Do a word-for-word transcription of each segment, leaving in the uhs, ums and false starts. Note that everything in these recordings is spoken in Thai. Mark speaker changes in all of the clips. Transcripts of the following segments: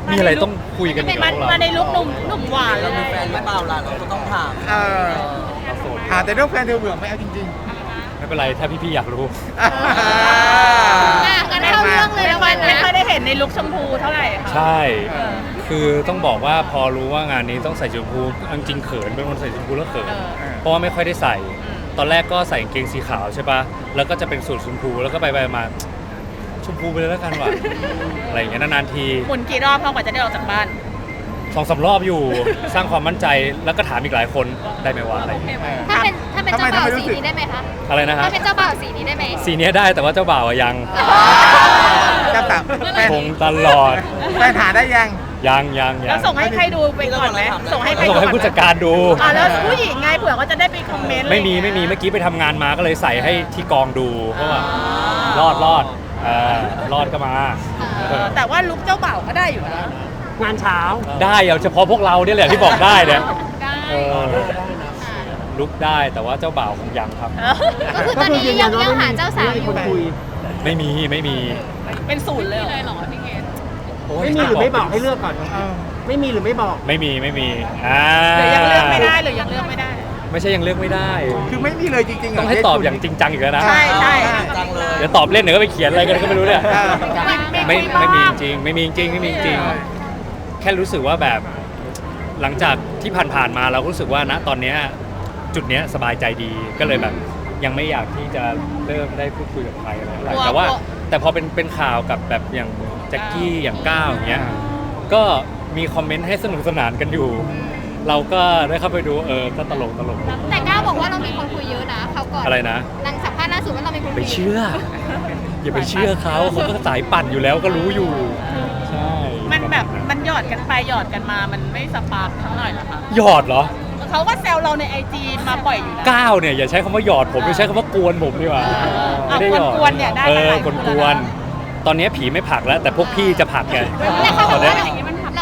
Speaker 1: มีอะไรต้องคุยกันอีกเหร
Speaker 2: มั
Speaker 1: อน พวกเรา
Speaker 2: มาในลุคหนุ่มหนุ่มหวาน
Speaker 3: เรามีแฟนหรือเปล่าล่ะเราก็ต้องถาม
Speaker 4: เออ
Speaker 1: เราโสด
Speaker 4: อ่าแต่เรื่องแฟนเธอเบื่อไหมเอาจริง
Speaker 1: ไม่เป็นไรถ้าพี่ๆอยากรู้
Speaker 4: ๆ
Speaker 5: อ่ะงั้นเข้าเรื่องเลย
Speaker 2: ไม่
Speaker 5: แล้ว
Speaker 2: ค่อ
Speaker 5: กั
Speaker 2: ย
Speaker 5: น
Speaker 2: ไม่
Speaker 5: นะ
Speaker 2: ค่อยได้เห็นในลุคชมพูเท่าไหร่ค่ะ
Speaker 1: ใช่ คือต้องบอกว่าพอรู้ว่างานนี้ต้องใส่ชมพูจริงๆเขินเป็นคนใส่ชมพูแล้วเขิน
Speaker 2: เออ
Speaker 1: เพราะว่าไม่ค่อยได้ใส่ ตอนแรกก็ใส่กางเกงสีขาวใช่ปะแล้วก็จะเป็นสูทชมพูแล้วก็ไปไปมาชมพูไปเลยแล้วกันว่ะ อะไรอย่างเงี้ยนานๆที
Speaker 2: หมุนกี่รอบพอกว่าจะได้ออกจากบ้าน
Speaker 1: สองสามรอบอยู่สร้างความมั่นใจแล้วก็ถามอีกหลายคนได้ไหมวะอะไรอย่างเงี้ย
Speaker 5: ถ้าเป็นถ้าเป็นเจ้าบ่าวสีนี้ได้ไหมคะ
Speaker 1: อะไรนะฮะ
Speaker 5: ถ้าเป็นเจ้าบ่าวสีนี้ได้ไหม
Speaker 1: สีเนี้ยได้แต่ว่าเจ้าบ่าวอะยัง
Speaker 4: เจ้าสาวแฟน
Speaker 1: คงตลอด
Speaker 4: แฟนหาได้ยัง
Speaker 1: ยังยังยั
Speaker 2: แล้ว
Speaker 1: ง
Speaker 2: ส่งให้ใครดูไปก่อนไหมส่งให้ใคร
Speaker 1: ส่ง
Speaker 2: ดู
Speaker 1: ให้ผู้จัดการดู
Speaker 2: อ่าแล้วผู้หญิงไงเผื่อเขาจะได้ไปคอมเมนต์
Speaker 1: ไม่มีไม่มีเมื่อกี้ไปทำงานมาก็เลยใส่ให้ที่กองดูเพราะว่ารอดรอดเออรอดก็มา
Speaker 2: เออแต่ว่าลุคเจ้าบ่าวก็ได้อยู่นะ
Speaker 3: งานเช้า
Speaker 1: ได้เอาเฉพาะพวกเราเนี่ยแหละที่บอกได้เนี่ย
Speaker 5: ได้
Speaker 1: เออลุกได้แต่ว่าเจ้าบ่าวคงยังครับ
Speaker 5: ก็คือตอนนี้ยังยังหาเจ้าสาวอยู่
Speaker 1: ไม่มีไม่มี
Speaker 2: เป็นศูนย์เลยเหรอ
Speaker 1: โอ้ย
Speaker 3: ไม่มีหรือไม่บอกให้เลือกก่อน
Speaker 4: เออ
Speaker 3: ไม่มีหรือไม่บอก
Speaker 1: ไม่มีไม่มีอ่า
Speaker 2: หรือยังเลือกไม่ได้หรือยังเลือกไม่ได้
Speaker 1: ไม่ใช่ยังเลือกไม่ได้
Speaker 4: คือไม่มีเลยจริงๆเร
Speaker 1: ต้องให้ตอบอย่างจริงจังอีกแล้วนะ
Speaker 2: ใช่ใช่
Speaker 3: จังเลย
Speaker 1: เดี๋ยวตอบเล่นเดี๋ยวก็ไปเขียนอะไรกันก็ไม่รู้เนี่ย
Speaker 4: เออ
Speaker 1: ไม่ไม่มีจริงไม่มีจริงไม่มีจริง แค่รู้สึกว่าแบบหลังจากที่ผ่านๆมาเราก็รู้สึกว่าณตอนเนี้ยจุดเนี้ยสบายใจดีก็เลยแบบยังไม่อยากที่จะเริ่มได้พูดคุยกับใครอะไรอะไรแต่ว่าแต่พอเป็นเป็นข่าวกับแบบอย่างแจ็คกี้อย่างก้าวอย่างเงี้ยก็มีคอมเมนต์ให้สนุกสนานกันอยู่ เราก็ได้เข้าไปดูเออก็ตลกตลก
Speaker 5: แต่ก้าวบอกว่าเรามีคนคุยเยอะนะเขาก่อน
Speaker 1: อะไรนะ
Speaker 5: หลังสัมภาษณ์ล่าสุดว่าเรามีคนคุ
Speaker 1: ไป
Speaker 5: ย
Speaker 1: เชื่อ อย่าไปเชื่อเขาเขาก็สายปั่นอยู่แล้วก็รู้อยู่ใช่
Speaker 2: มันแบบมันหยอดกันไปหยอดกันมามันไม่สปาร์คทั้งหน่อยเหรอคะ
Speaker 1: หยอดเหรอ
Speaker 2: เขาก็แซวเราในไอจีมาบ่อยอยู่นะ
Speaker 1: ก้าวเนี่ยอย่าใช้คำว่าหยอดผมอย่าใช้คำว่ากวนผมดีกว่า
Speaker 2: อ่ะ
Speaker 1: ไม่ได้หยอด
Speaker 2: กวนๆเนี่ยได้
Speaker 1: เอ
Speaker 2: กันห
Speaker 1: อ
Speaker 2: ลาย
Speaker 1: ก
Speaker 2: ค
Speaker 1: วน น
Speaker 2: แล้ว
Speaker 1: กวน
Speaker 2: นะ
Speaker 1: ตอนนี้ผีไม่ผลักแล้ว แต่พวกพี่จะผลักไง
Speaker 5: แต่เขาบอกว่า
Speaker 1: ตอน
Speaker 5: เรา
Speaker 1: นี้
Speaker 5: เรา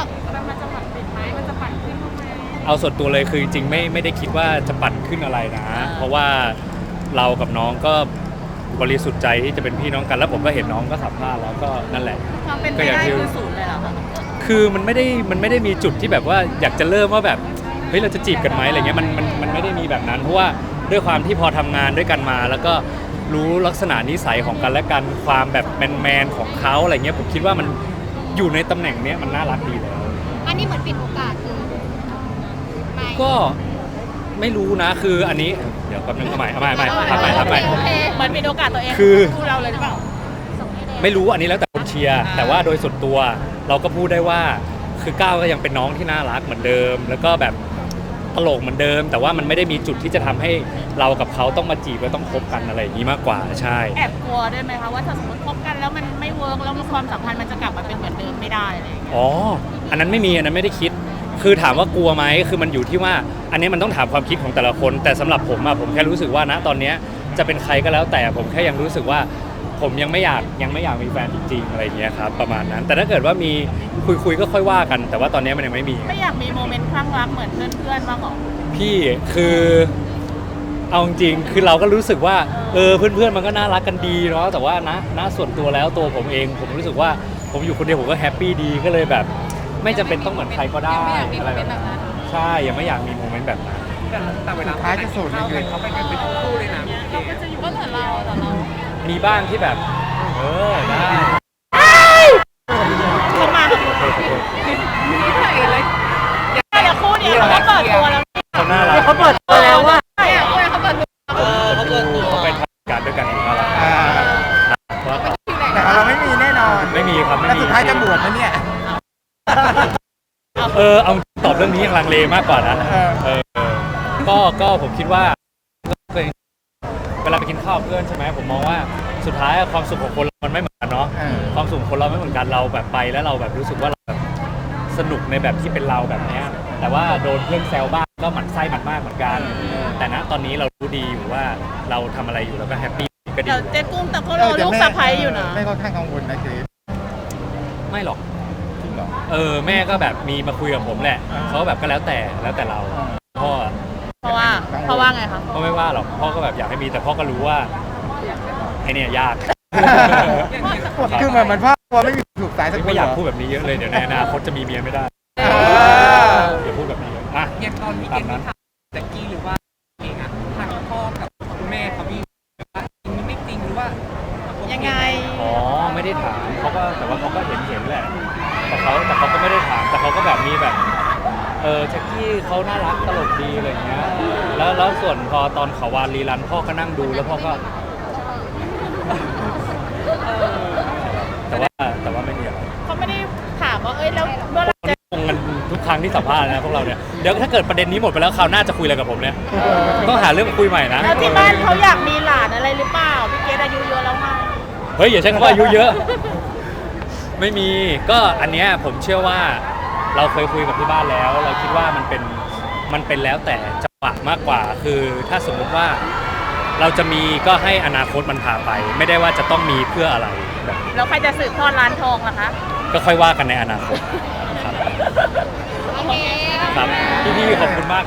Speaker 1: เอาส่วนตัวเลยคือจริงๆไม่ไม่ได้คิดว่าจะปั่นขึ้นอะไรนะ เพราะว่าเรากับน้องก็บริสุทธิ์ใจที่จะเป็นพี่น้องกันแล้วผมก็เห็นน้องก็สัมภาษณ์แล้วก็นั่นแหละ
Speaker 2: ความเป็นไปได้คือศูนย์เลยเหรอคะ
Speaker 1: คือมันไม่ได้มันไม่ได้มีจุดที่แบบว่าอยากจะเริ่มว่าแบบเฮ้ยเราจะจีบกันไหมอะไรเงี้ยมันมันมันไม่ได้มีแบบนั้นเพราะว่าด้วยความที่พอทำงานด้วยกันมา แล้วก็รู้ลักษณะนิสัยของกันและกันความแบบแมนแมนๆของเขาอะไรเงี้ยผมคิดว่ามันอยู่ในตำแหน่งเนี้ยมันน่ารักดีแล้ว
Speaker 5: อันนี้เหมือนปิดโอกาสคือไม่
Speaker 1: ก็ไม่รู้นะคืออันนี้เดี๋ยวแป๊บนึงเอาใหม่เอาใหม่เอาใหม่ทำใหม่ทำใหม่
Speaker 5: โอเค
Speaker 2: เหมือนมีโอกาสตัวเอง
Speaker 1: คือ
Speaker 2: คู่เราเลยหรือเปล่า
Speaker 1: ไม่รู้อันนี้แล้วแต่คนเชียร์
Speaker 2: อ่า
Speaker 1: แต่ว่าโดยส่วนตัวเราก็พูดได้ว่าคือก้าวก็ยังเป็นน้องที่น่ารักเหมือนเดิม แล้วก็แบบตลกเหมือนเดิม แต่ว่ามันไม่ได้มีจุดที่จะทำให้เรากับเขาต้องมาจีบแล้วต้องคบกันอะไรอย่างนี้มากกว่าใช่
Speaker 2: แอบกลัวด้วยไหมคะว่าถ้าสมมติคบกันแล้วมันไม่เวิร์กแล้วความสัมพันธ์มันจะกลับมาเป็นเหมือนเดิมไม่ได้อะไรอย่างเงี้ย
Speaker 1: อ๋ออันนั้นไม่มีอันนั้นไม่ได้คิด คือถามว่ากลัวไหมคือมันอยู่ที่ว่า อันนี้มันต้องถามความคิดของแต่ละคน แต่สำหรับผมอะผมแค่รู้สึกว่าณตอนเนี้ยจะเป็นใครก็แล้วแต่ผมแค่ยังรู้สึกว่า ผมยังไม่อยากยังไม่อยากมีแฟนจริงๆอะไรอย่างเงี้ยครับประมาณนั้น แต่ถ้าเกิดว่ามีคุยคุยๆก็ค่อยว่ากัน แต่ว่าตอนนี้มันยังไม่มี
Speaker 2: ไม่อยากมีโมเมนต์คลั่งรักเหมือนเพื่อนๆบ้างหรอ
Speaker 1: พี่คือเอาจริงๆคือเราก็รู้สึกว่าเออเพื่อนๆมันก็น่ารักกันดีเนาะแต่ว่าณณส่วนตัวแล้วตัวผมเอง ผมรู้สึกว่าผมอยู่คนเดียวผมก็แฮปปี้ดีก็เลยแบบ ไม่จำเป็นต้องเหมือนใครก็ได้อะไรแบบนั้นใช่ยังไม่อยากมีโมเมนต์แบบนั้น
Speaker 3: แต่เวลา
Speaker 4: ท้ายจะโสดเลย
Speaker 3: เขาไปกันเป็นคู่เลยนะ
Speaker 2: ก็เหมือนเราแต่เรา
Speaker 1: มีบ้างที่แบบ เออได้
Speaker 2: เขามาแต่คู่นี้เขาก็เปิดตัวแล้ว
Speaker 1: เขาน่ารัก
Speaker 3: เขาเปิดตัวแล้วว่า
Speaker 2: ใช่เขาเปิดตัว
Speaker 1: เออเขาดูเขาไปทำการด้วยกันน่ารัก
Speaker 4: อ่า
Speaker 1: ว่า
Speaker 4: แต่ของเราไม่มีแน่นอน
Speaker 1: ไม่มีครับไม่
Speaker 4: แล้ว
Speaker 1: มี
Speaker 4: สุดท้ายจะบวชนะเนี่ย
Speaker 1: เออเอาตอบเรื่องนี้ยังลังเลมากกว่านะ
Speaker 4: เออ
Speaker 1: เออก็ก็ผมคิดว่าเวลาไปกินข้าวกับเพื่อนใช่ไหมผมมองว่าสุดท้ายความสุขของคนเรามันไม่เหมือนกันเนาะ
Speaker 4: เออ
Speaker 1: ความสุขของคนเราไม่เหมือนกันเราแบบไปแล้วเราแบบรู้สึกว่าเราแบบสนุกในแบบที่เป็นเราแบบเนี้ยแต่ว่าโดนเพื่อนแซวบ้างก็หมั่นไส้หมั่นมากเหมือนกัน แต่ณตอนนี้เรารู้ดีอยู่ว่าเราทำอะไรอยู่แล้วก็แฮปปี้ก็ดี
Speaker 2: เดี๋ยวเจ๊กุ้งแต่เขารอลูกสะใภ้อยู่นะ
Speaker 4: ไม่ค่อนข้างกังวลนะเจ๊
Speaker 1: ไม่หรอก
Speaker 4: จริงเหรอ
Speaker 1: เออแม่ก็แบบมีมาคุยกับผมแหละ
Speaker 4: อ่า
Speaker 1: เขาก็แบบก็แล้วแต่แล้วแต่เรา
Speaker 4: อ่า
Speaker 1: พ่อ
Speaker 2: เพราะว่าเพราะว่าไงคะ
Speaker 1: ก็ไม่ว่าหรอกพ่อก็แบบอยากให้มีแต่พ่อก็รู้ว่าไอเนี่ยยาก
Speaker 4: คือเหมือนมันพ่อกลัวไม่มีถูกสายสักคน
Speaker 1: ไม่อยาก
Speaker 4: เหรอ
Speaker 1: พูดแบบนี้เยอะเลยเดี๋ยวในอนาคตจะมีเมียไม่ได้
Speaker 4: เออ
Speaker 1: อย่าพูดแบบนี้เยอะอ่ะ
Speaker 3: อย่างตอนมีเกณฑ์ที่ถามแจ็คกี้หรือว่าเองอะทางพ่อกับคุณแม่เขามีว่าจริงไม่จริงหรือว่าโอเค
Speaker 2: ยังไง
Speaker 1: อ๋อไม่ได้ถามเขาก็แต่ว่าเขาก็เห็นเห็นแหละแต่เขาแต่เขาก็ไม่ได้ถามแต่เขาก็แบบมีแบบเออแจ็คกี้เขาน่ารักตลกดีอะไรอย่างเงี้ยแล้วแล้วส่วนพอตอนเขาวานรีรันพ่อก็นั่งดูแล้วพ่อก็ แต่ว่าแต่ว่าไม่มีอะไร
Speaker 2: เขาไม่ได้ถามว่าเอ้ยแล้วเมื่อไหรจะ
Speaker 1: งงกันทุกครั้งที่สัมภาษณ์นะพวกเราเนี่ยเดี๋ยวถ้าเกิดประเด็นนี้หมดไปแล้วคราวหน้าจะคุยอะไรกับผมเนี่ยต้องหาเรื่องคุยใหม่นะ
Speaker 2: แล้วที่บ้านเขาอยากมีหลานอะไรหรือเปล่าพี่เกดอายุเยอะแล้วไง
Speaker 1: เฮ้ยอย่าใช้คำว่าอายุเยอะ ไม่มีก็อันเนี้ยผมเชื่อว่าเราเคยคุยกับที่บ้านแล้ว เราคิดว่ามันเป็นมันเป็นแล้วแต่จังหวะมากกว่า คือถ้าสมมุติว่าเราจะมีก็ให้อนาคตมันพาไป ไม่ได้ว่าจะต้องมีเพื่ออะไรแบบ
Speaker 2: แล้วใครจะสืบทอดร้านทองล่ะคะ
Speaker 1: ก็ค่อยว่ากันในอนาคตครับ
Speaker 5: โอเค
Speaker 1: ครับพี่ๆขอบคุณมาก